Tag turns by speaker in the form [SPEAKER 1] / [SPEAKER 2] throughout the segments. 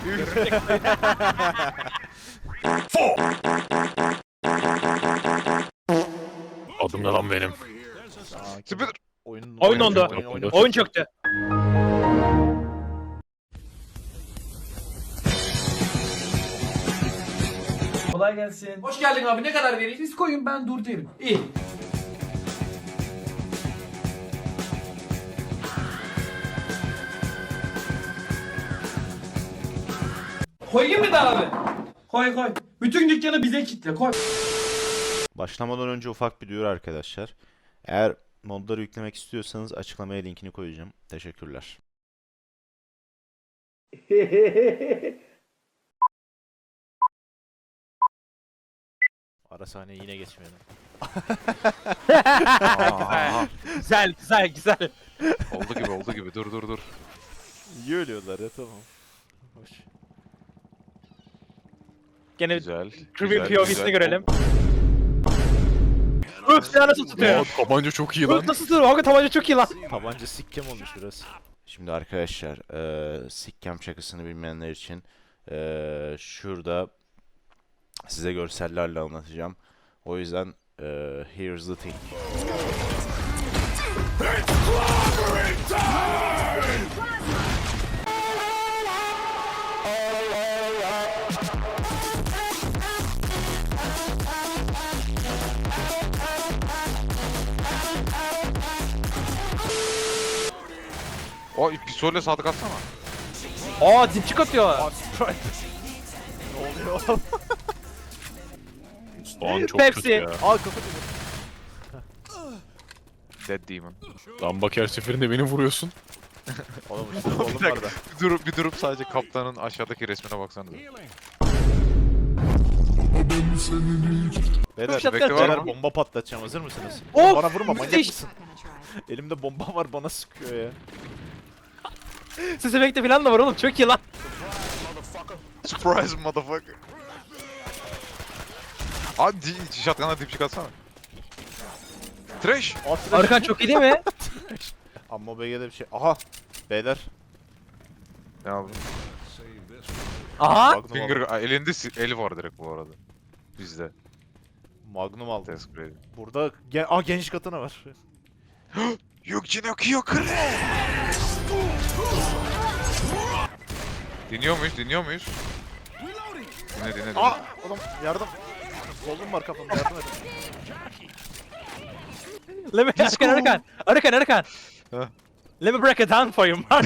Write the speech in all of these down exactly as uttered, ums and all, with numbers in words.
[SPEAKER 1] Adım ne lan benim?
[SPEAKER 2] Sıfır.
[SPEAKER 3] Oyun
[SPEAKER 4] Oyun dondu.
[SPEAKER 1] Oyun- oyun-
[SPEAKER 4] Oyun çöktü.
[SPEAKER 5] Kolay gelsin. Hoş geldin abi. Ne kadar vereyim? Siz koyun, ben dur derim. İyi. Koyayım mı da abi? Koy koy. Bütün dükkanı bize kitle. Koy.
[SPEAKER 3] Başlamadan önce ufak bir duyuru arkadaşlar. Eğer modları yüklemek istiyorsanız açıklamaya linkini koyacağım. Teşekkürler. Ara sahneyi yine geçmeyelim.
[SPEAKER 2] Aa,
[SPEAKER 4] Güzel güzel güzel.
[SPEAKER 2] oldu gibi oldu gibi. Dur dur dur.
[SPEAKER 3] İyi ölüyorlar ya, tamam. Hoş.
[SPEAKER 4] Gene
[SPEAKER 2] Güzel.
[SPEAKER 4] Creepy
[SPEAKER 2] güzel,
[SPEAKER 4] P O V'sini
[SPEAKER 2] güzel.
[SPEAKER 4] görelim. Öf silahı nasıl
[SPEAKER 1] Aa,
[SPEAKER 4] tutuyor?
[SPEAKER 1] tabanca çok iyi
[SPEAKER 4] Öf
[SPEAKER 1] lan.
[SPEAKER 4] nasıl tutuyor? Hakikaten tabanca çok iyi lan.
[SPEAKER 3] Tabanca sikkem olmuş biraz. Şimdi arkadaşlar, eee sikkem şakasını bilmeyenler için eee, şurada size görsellerle anlatacağım. O yüzden eee here's the thing.
[SPEAKER 2] O pistolle sadık atsana.
[SPEAKER 4] Aa dipçik atıyor.
[SPEAKER 3] Ne oluyor oğlum?
[SPEAKER 1] Soğan çok
[SPEAKER 4] Pepsi.
[SPEAKER 1] kötü ya.
[SPEAKER 3] Aa, kafa dedi.
[SPEAKER 2] Dead Demon.
[SPEAKER 1] Lan bak her seferinde beni vuruyorsun.
[SPEAKER 3] Oğlum işte
[SPEAKER 2] Bir
[SPEAKER 3] oğlum
[SPEAKER 2] dakika.
[SPEAKER 3] var da.
[SPEAKER 2] Bir durup, bir durup sadece kaptanın aşağıdaki resmine baksana.
[SPEAKER 3] Beyler,
[SPEAKER 4] Şapka
[SPEAKER 2] bekle var
[SPEAKER 3] beyler
[SPEAKER 2] mı?
[SPEAKER 3] bomba patlatacağım, hazır mısınız?
[SPEAKER 4] Of,
[SPEAKER 3] Bana vurma, manyak
[SPEAKER 4] müthiş.
[SPEAKER 3] mısın? Elimde bomba var, bana sıkıyor ya.
[SPEAKER 4] Ses efekti falan da var oğlum çok iyi lan.
[SPEAKER 2] Surprise motherfucker. Abi di- shotgun'a dipçik atsana. Trash.
[SPEAKER 3] Atla.
[SPEAKER 4] Arkan çok iyi değil mi?
[SPEAKER 3] Amma B G'de bir şey. Aha! Beyler.
[SPEAKER 2] Ne aldın?
[SPEAKER 4] Aha.
[SPEAKER 3] Magnum
[SPEAKER 2] Finger,
[SPEAKER 3] aldım.
[SPEAKER 2] Aa, elinde si- eli var direkt bu arada. Bizde.
[SPEAKER 3] Magnum aldım.
[SPEAKER 2] Test grade.
[SPEAKER 3] Burada gen Aa, geniş katana var.
[SPEAKER 2] Yok yok yok. Dinliyor muyuz? Dinliyor muyuz? Dinle dinle dinle.
[SPEAKER 3] Aa! Oğlum yardım. Kolum var kafamda, yardım et.
[SPEAKER 4] Let me Arkan Arkan. Arkan Arkan.
[SPEAKER 2] Ha.
[SPEAKER 4] Let me break it down for you man.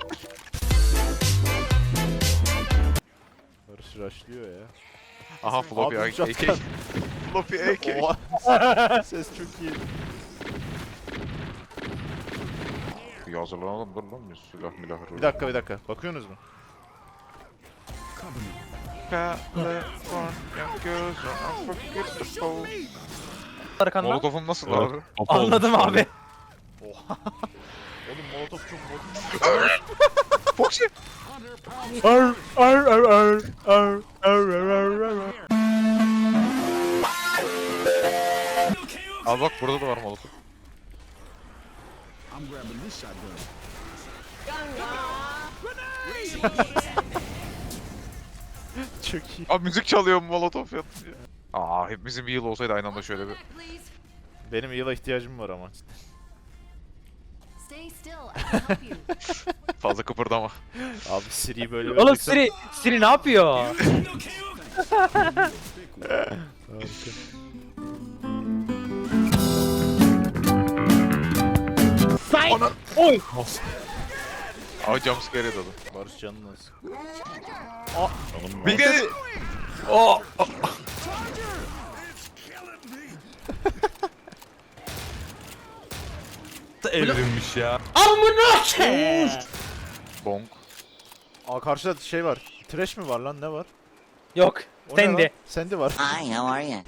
[SPEAKER 3] Barış rushlıyor ya.
[SPEAKER 2] Aha floppy
[SPEAKER 3] Magnum
[SPEAKER 2] A K.
[SPEAKER 3] shotgun.
[SPEAKER 2] Floppy A K.
[SPEAKER 3] Oha! Ses çok iyi.
[SPEAKER 2] Bir hazırlanalım dur lan bir silah milah.
[SPEAKER 3] Bir dakika bir dakika. Bakıyorsunuz mu?
[SPEAKER 2] California girls are unforgettable.
[SPEAKER 4] Arkandan.
[SPEAKER 2] Molotov'um nasıl
[SPEAKER 1] Evet.
[SPEAKER 2] abi?
[SPEAKER 1] Papa
[SPEAKER 4] Anladım
[SPEAKER 1] olmuş
[SPEAKER 4] abi.
[SPEAKER 3] Oha! Oğlum molotof çok bozuk.
[SPEAKER 2] Foxy.
[SPEAKER 4] Ar ar ar ar ar ar ar ar ar.
[SPEAKER 2] Al bak burada da var molotov.
[SPEAKER 3] Çok iyi.
[SPEAKER 2] Abi müzik çalıyor molotov yatınca. Aa hepimizin bir yıl olsaydı aynı anda şöyle bir.
[SPEAKER 3] Benim yıla ihtiyacım var ama.
[SPEAKER 6] Stay still, I can help you.
[SPEAKER 2] Fazla kıpırdama.
[SPEAKER 3] Abi Siri'yi böyle
[SPEAKER 4] Oğlum
[SPEAKER 3] vereceksen-
[SPEAKER 4] Siri Siri ne yapıyor? Say. Oy.
[SPEAKER 2] Abi jumpscare yedi adam.
[SPEAKER 3] Barış canını alsın.
[SPEAKER 1] Canım
[SPEAKER 2] Bir de
[SPEAKER 4] Oh.
[SPEAKER 1] evrilmiş ya.
[SPEAKER 4] Amına ke.
[SPEAKER 2] bonk.
[SPEAKER 3] Aa, karşıda şey var. Trash mi var lan, ne var?
[SPEAKER 4] Yok.
[SPEAKER 3] O ne
[SPEAKER 4] Sandy.
[SPEAKER 3] lan? Sandy var.
[SPEAKER 7] Hi, how are you?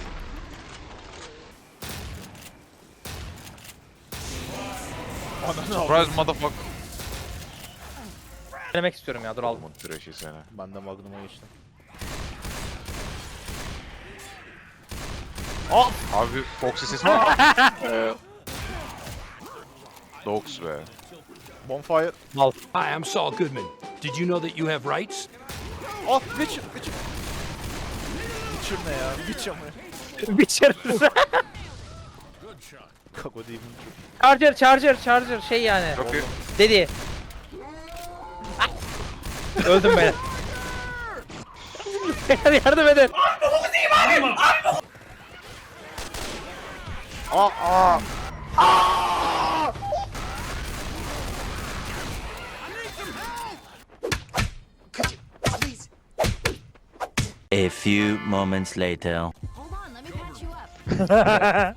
[SPEAKER 2] Surprise motherfucker.
[SPEAKER 4] Denemek istiyorum ya dur aldım.
[SPEAKER 2] Aldım trash'i seni.
[SPEAKER 3] Ben de Magnum'a geçtim.
[SPEAKER 2] Abi Foxy sesi mi? Eee, Dogs be.
[SPEAKER 3] Bonfire.
[SPEAKER 4] Mal.
[SPEAKER 8] Hi, I'm Saul Goodman.
[SPEAKER 6] Did you know that you have rights?
[SPEAKER 3] Oh Witcher Witcher. Witcher ne ya? Witcher mı?
[SPEAKER 4] Witcher.
[SPEAKER 3] Kako değil mi?
[SPEAKER 4] Charger, charger, charger şey yani.
[SPEAKER 2] Çok iyi.
[SPEAKER 4] Dedi. Ah! Öldüm ben. Yardım edin.
[SPEAKER 3] Aa aa.
[SPEAKER 7] A few moments later.
[SPEAKER 8] Hold on, let me patch you up.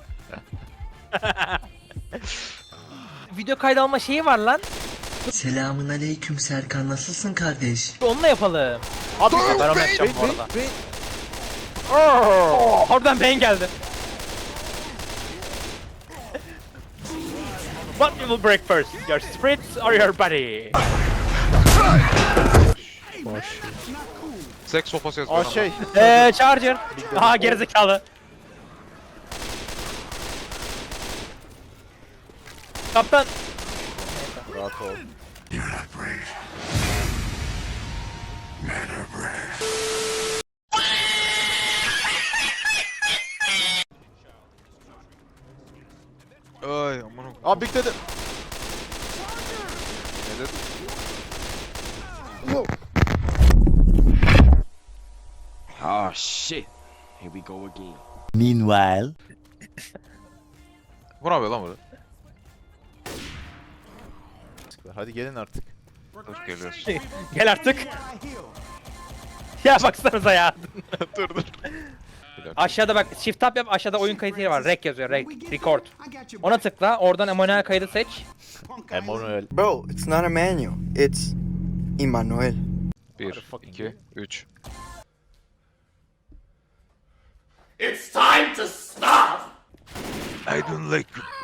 [SPEAKER 4] Video kaydalma şeyi var lan.
[SPEAKER 9] Selamun aleyküm Serkan, nasılsın kardeş?
[SPEAKER 4] Onunla yapalım.
[SPEAKER 3] Abi
[SPEAKER 4] Ben onu yapacağım bu arada. Oo, oradan ben geldi. What you will break first? Your spirits or your body?
[SPEAKER 2] Seks sopası
[SPEAKER 3] Aa
[SPEAKER 2] yazıyor.
[SPEAKER 3] şey.
[SPEAKER 4] Eee charger. Aha gerizekalı. Kaptan.
[SPEAKER 3] Rahat ol.
[SPEAKER 2] Ay aman.
[SPEAKER 3] Aa Big dedi.
[SPEAKER 2] Ne dedi?
[SPEAKER 6] Oh shit. Here we go again.
[SPEAKER 7] Meanwhile.
[SPEAKER 2] Bu ne yapıyor lan burada?
[SPEAKER 3] Hadi gelin artık.
[SPEAKER 2] Dur geliyoruz.
[SPEAKER 4] Gel artık. Ya baksanıza ya.
[SPEAKER 2] dur dur.
[SPEAKER 4] Aşağıda bak shift tab yap, aşağıda oyun kayıt yeri var. Rec yazıyor, rec, record. Ona tıkla, oradan Emanuel kaydı seç.
[SPEAKER 3] Emmanuel.
[SPEAKER 9] Bro, it's not Emmanuel, it's Emmanuel.
[SPEAKER 2] Bir, iki, üç.
[SPEAKER 5] It's time to stop.
[SPEAKER 2] I don't like you.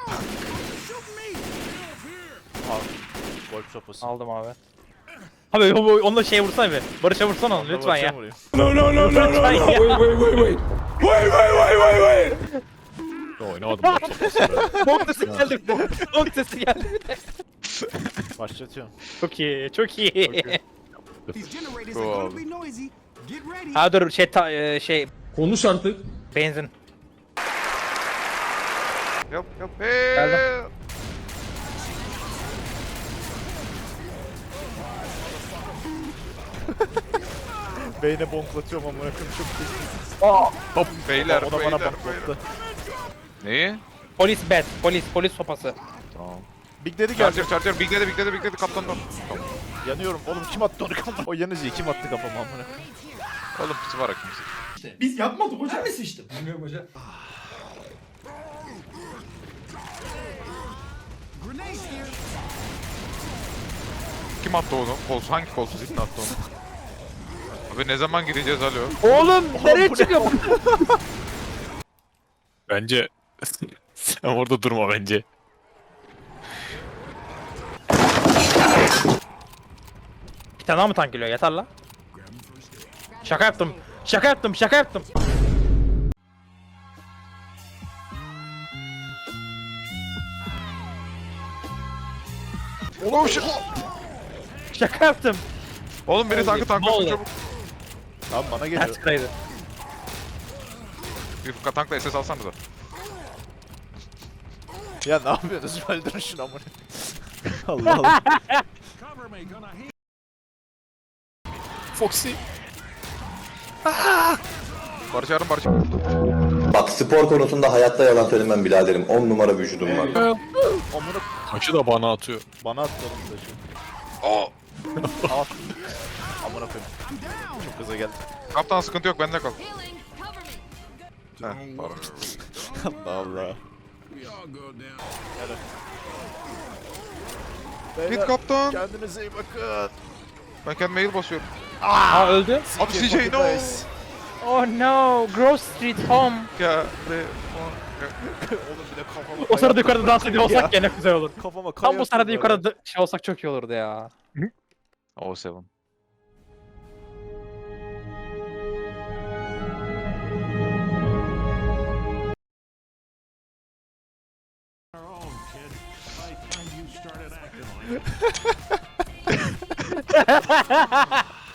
[SPEAKER 3] Golf sopası.
[SPEAKER 4] Aldım abi. Abi o- o- onunla şey vursana bir. Barış'a vursana onu lütfen ya.
[SPEAKER 5] No, no, no, no, no, no.
[SPEAKER 4] Lütfen ya.
[SPEAKER 5] Wait, wait, wait, wait. Wait, wait, wait, wait, wait.
[SPEAKER 1] Oynamadım bak.
[SPEAKER 4] Bok sesi geldi bir de. Bok sesi geldi bir de.
[SPEAKER 3] Başlatıyorum.
[SPEAKER 4] Çok iyi, çok iyi.
[SPEAKER 2] Cool.
[SPEAKER 4] Ha dur şey ta, e, şey
[SPEAKER 5] Konuş artık.
[SPEAKER 4] benzin.
[SPEAKER 2] Yap yap. Hey.
[SPEAKER 4] Geldim.
[SPEAKER 3] Beyne bonklatıyorum amına koyayım çok iyi.
[SPEAKER 2] Hop beyler
[SPEAKER 3] O da bana
[SPEAKER 2] beyler
[SPEAKER 3] bonklattı.
[SPEAKER 2] beyler. Neyi?
[SPEAKER 4] Polis bet, polis, polis sopası.
[SPEAKER 2] Tamam.
[SPEAKER 3] Big dedi geldi.
[SPEAKER 2] Charger charger big dedi big dedi big dedi kaptandan. Tamam.
[SPEAKER 3] Yanıyorum. Oğlum kim attı onu kafama? O yanıcıyı kim attı kafama amına koyayım?
[SPEAKER 2] Oğlum pisi var kimse.
[SPEAKER 5] Biz yapmadık hocam. Ben mi sıçtım? Bilmiyorum hocam.
[SPEAKER 2] Kim attı onu? Kolsuz hangi kolsuz ipne attı onu? Abi ne zaman gideceğiz alo?
[SPEAKER 4] Oğlum nereye çıkıyor bu?
[SPEAKER 1] Bence sen orada durma bence.
[SPEAKER 4] Bir tane daha mı tank geliyor? Yeter la. Şaka yaptım. Şaka yaptım, şaka yaptım.
[SPEAKER 2] Oğlum şu...
[SPEAKER 4] Şaka yaptım.
[SPEAKER 2] Oğlum biri tankı
[SPEAKER 4] Ne
[SPEAKER 2] tanklasın
[SPEAKER 4] oldu?
[SPEAKER 2] çabuk.
[SPEAKER 3] Lan bana geliyor.
[SPEAKER 4] Ters kıraydı.
[SPEAKER 2] Bir tankla S S alsanıza.
[SPEAKER 3] Ya ne yapıyorsunuz? Öldürün şunu amına. Allah Allah.
[SPEAKER 1] Foxy.
[SPEAKER 2] Barış yarın Barış.
[SPEAKER 10] Bak spor konusunda hayatta yalan söylemem biraderim. on numara vücudum var.
[SPEAKER 3] Amına
[SPEAKER 1] Taşı da bana atıyor.
[SPEAKER 3] bana attı oğlum taşı.
[SPEAKER 2] Aa!
[SPEAKER 3] Al. Amına koyayım. Çok gaza geldi.
[SPEAKER 2] Kaptan sıkıntı yok bende kal.
[SPEAKER 8] Healing, cover me.
[SPEAKER 2] Heh pardon.
[SPEAKER 3] Allah Allah.
[SPEAKER 2] Git
[SPEAKER 3] Beyler,
[SPEAKER 2] kaptan.
[SPEAKER 3] kendinize iyi bakın.
[SPEAKER 2] Ben kendime mail basıyorum.
[SPEAKER 4] Aa öldü.
[SPEAKER 2] Abi C J no.
[SPEAKER 4] Oh no, Grove Street Home.
[SPEAKER 2] Ya re.
[SPEAKER 3] Oğlum bir de kafama
[SPEAKER 4] O sırada
[SPEAKER 3] kaya
[SPEAKER 4] yukarıda dans ediyor olsak
[SPEAKER 3] Ya.
[SPEAKER 4] gene güzel olur.
[SPEAKER 3] Kafama kaya
[SPEAKER 4] Tam bu sırada
[SPEAKER 3] atıyorlar
[SPEAKER 4] yukarıda şey olsak çok iyi olurdu ya.
[SPEAKER 2] O seven.